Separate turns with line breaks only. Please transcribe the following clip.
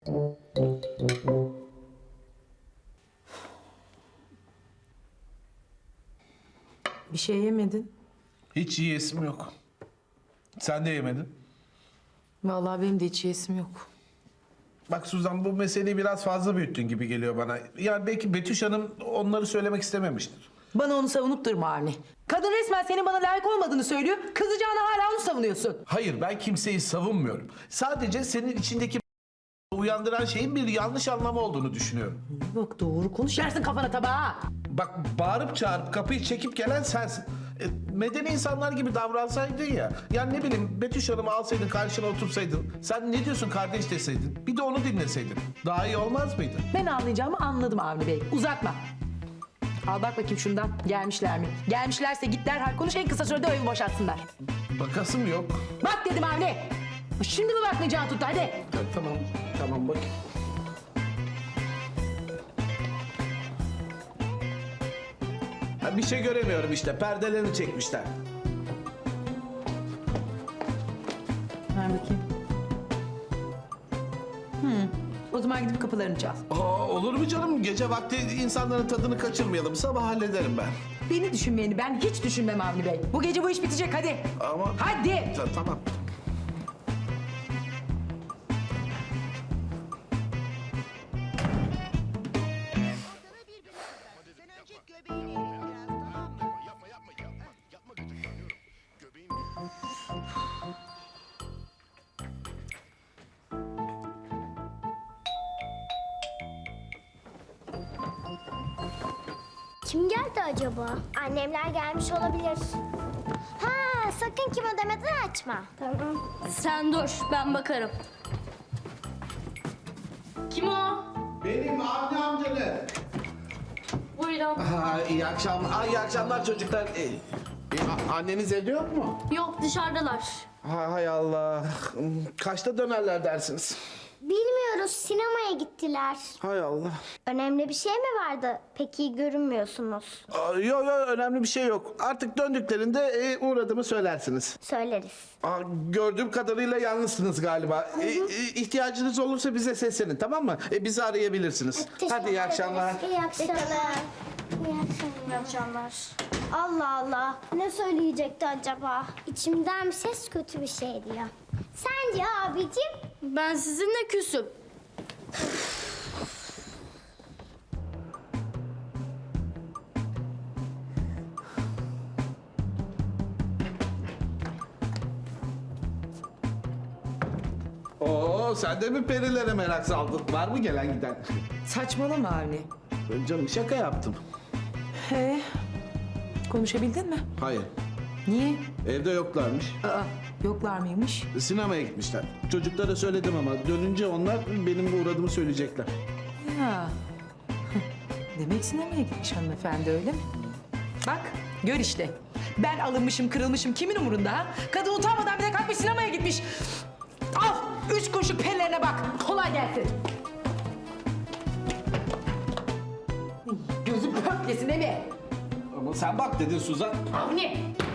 Bir şey yemedin.
Hiç yiyesim yok. Sen de yemedin.
Vallahi benim de hiç yesim yok.
Bak Suzan, bu meseleyi biraz fazla büyüttün gibi geliyor bana. Yani belki Betüş Hanım onları söylemek istememiştir.
Bana onu savunup durma Avni. Kadın resmen senin bana layık olmadığını söylüyor. Kızacağına hala onu savunuyorsun.
Hayır, ben kimseyi savunmuyorum. Sadece senin içindeki uyandıran şeyin bir yanlış anlamı olduğunu düşünüyorum.
Bak doğru konuş, yersin kafana tabağa.
Bak, bağırıp çağırıp kapıyı çekip gelen sensin. Medeni insanlar gibi davransaydın ya. Yani ne bileyim, Betüş Hanım'ı alsaydın, karşına otursaydın. Sen ne diyorsun kardeş deseydin. Bir de onu dinleseydin. Daha iyi olmaz mıydı?
Ben anlayacağımı anladım Avni Bey. Uzatma. Al bak bakayım şundan. Gelmişler mi? Gelmişlerse git derhal konuş, en kısa sürede o evi boşaltsınlar.
Bakasım yok.
Bak dedim Avni. Şimdi mi bakmayacağını tuttu, hadi.
Ya, tamam bak. Ha, bir şey göremiyorum işte. Perdelerini çekmişler.
Ver bakayım. O zaman gidip kapılarını çal.
Aa, olur mu canım? Gece vakti insanların tadını kaçırmayalım. Sabah hallederim ben.
Beni düşünmeyeni ben hiç düşünmem Avni Bey. Bu gece bu iş bitecek, hadi.
Ama...
Hadi.
Tamam.
Ortada bir bebek var. Sen önce göbeğini erit biraz, tamam mı?
Yapma gıcıklanıyorum. Göbeğim
Kim geldi acaba? Annemler gelmiş olabilir. Ha, sakın kim ödemeden açma. Tamam.
Sen dur, ben bakarım. Kim o?
Benim Avni amcanı.
Buyurun.
İyi akşamlar. İyi akşamlar çocuklar. Anneniz evde yok mu?
Yok, dışarıdalar.
Hay Allah. Kaçta dönerler dersiniz?
Bilmiyoruz, sinemaya gittiler.
Hay Allah.
Önemli bir şey mi vardı? Pek iyi görünmüyorsunuz.
Yok önemli bir şey yok. Artık döndüklerinde uğradığımı söylersiniz.
Söyleriz.
Gördüğüm kadarıyla yalnızsınız galiba. İhtiyacınız olursa bize seslenin, tamam mı? Bizi arayabilirsiniz. Hadi iyi akşamlar.
İyi akşamlar. İyi akşamlar. Allah Allah. Ne söyleyecekti acaba? İçimden bir ses kötü bir şey diyor. Sence abicim?
Ben sizinle küsüm.
Oo, sen de mi perilere merak saldın? Var mı gelen giden?
Saçmalama Avni.
Ben canım şaka yaptım.
Konuşabildin mi?
Hayır.
Niye?
Evde yoklarmış.
Yoklar mıymış?
Sinemaya gitmişler. Çocuklara söyledim ama dönünce onlar benim uğradığımı söyleyecekler.
Ya. Demek sinemaya gitmiş hanımefendi, öyle mi? Bak, gör işte. Ben alınmışım, kırılmışım. Kimin umurunda ha? Kadın utanmadan bir de kalkmış sinemaya gitmiş. Al, 3 kuruşluk pellerine bak. Kolay gelsin. Gözüm pörtlesin değil mi?
Ama sen bak dedin Suzan.
Avni.